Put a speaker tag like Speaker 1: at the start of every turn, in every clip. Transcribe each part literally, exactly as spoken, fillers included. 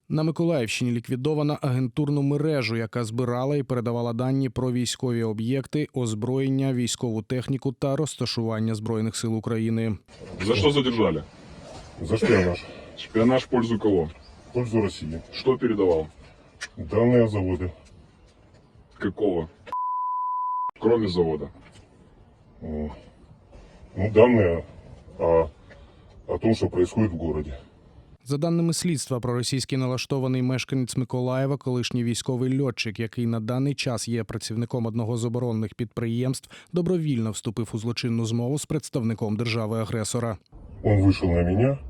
Speaker 1: На Миколаївщині ліквідована агентурну мережу, яка збирала і передавала дані про військові об'єкти, озброєння, військову техніку та розташування Збройних сил України.
Speaker 2: За что задержали?
Speaker 3: За шпионаж.
Speaker 2: Шпионаж в пользу кого?
Speaker 3: В пользу России.
Speaker 2: Что передавал?
Speaker 3: Данные о заводе.
Speaker 2: Какого? Кроме завода.
Speaker 3: Э, Ну, данные о, о том, что происходит в городе.
Speaker 1: За даними слідства, проросійський налаштований мешканець Миколаєва, колишній військовий льотчик, який на даний час є працівником одного з оборонних підприємств, добровільно вступив у злочинну змову з представником держави-агресора.
Speaker 3: Он вышел на меня.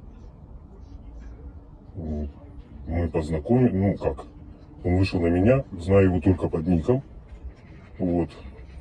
Speaker 3: М, Мы познакомились. Ну, как? Он вышел на меня. Знаю его только под ником. Вот.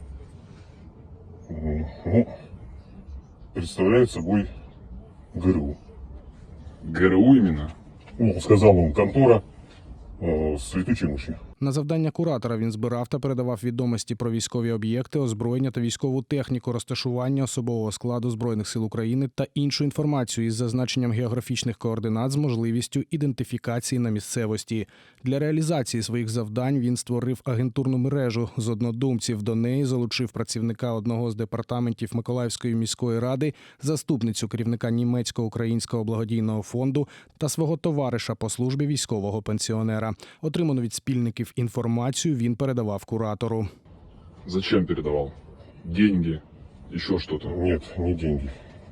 Speaker 3: М, Ну, представляет собой ГРУ.
Speaker 2: ГРУ именно?
Speaker 3: Ну, сказал он, контора э, с летучей мышью.
Speaker 1: На завдання куратора він збирав та передавав відомості про військові об'єкти, озброєння та військову техніку, розташування особового складу Збройних сил України та іншу інформацію із зазначенням географічних координат з можливістю ідентифікації на місцевості. Для реалізації своїх завдань він створив агентурну мережу з однодумців. До неї залучив працівника одного з департаментів Миколаївської міської ради, заступницю керівника німецько-українського благодійного фонду та свого товариша по службі військового пенсіонера. Отриману від спільників інформацію він передавав куратору.
Speaker 2: Зачем передавал? Деньги? Еще что-то?
Speaker 3: Нет, не деньги.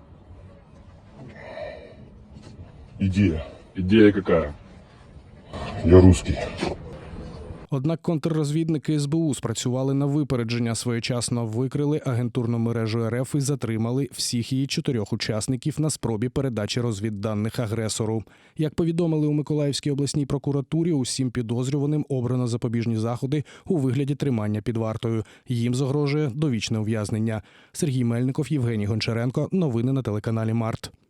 Speaker 3: Идея.
Speaker 2: Идея какая?
Speaker 3: Я русский.
Speaker 1: Однак контррозвідники ес бе у спрацювали на випередження, своєчасно викрили агентурну мережу ер еф і затримали всіх її чотирьох учасників на спробі передачі розвідданих агресору. Як повідомили у Миколаївській обласній прокуратурі, усім підозрюваним обрано запобіжні заходи у вигляді тримання під вартою. Їм загрожує довічне ув'язнення. Сергій Мельников, Євгеній Гончаренко. Новини на телеканалі Март.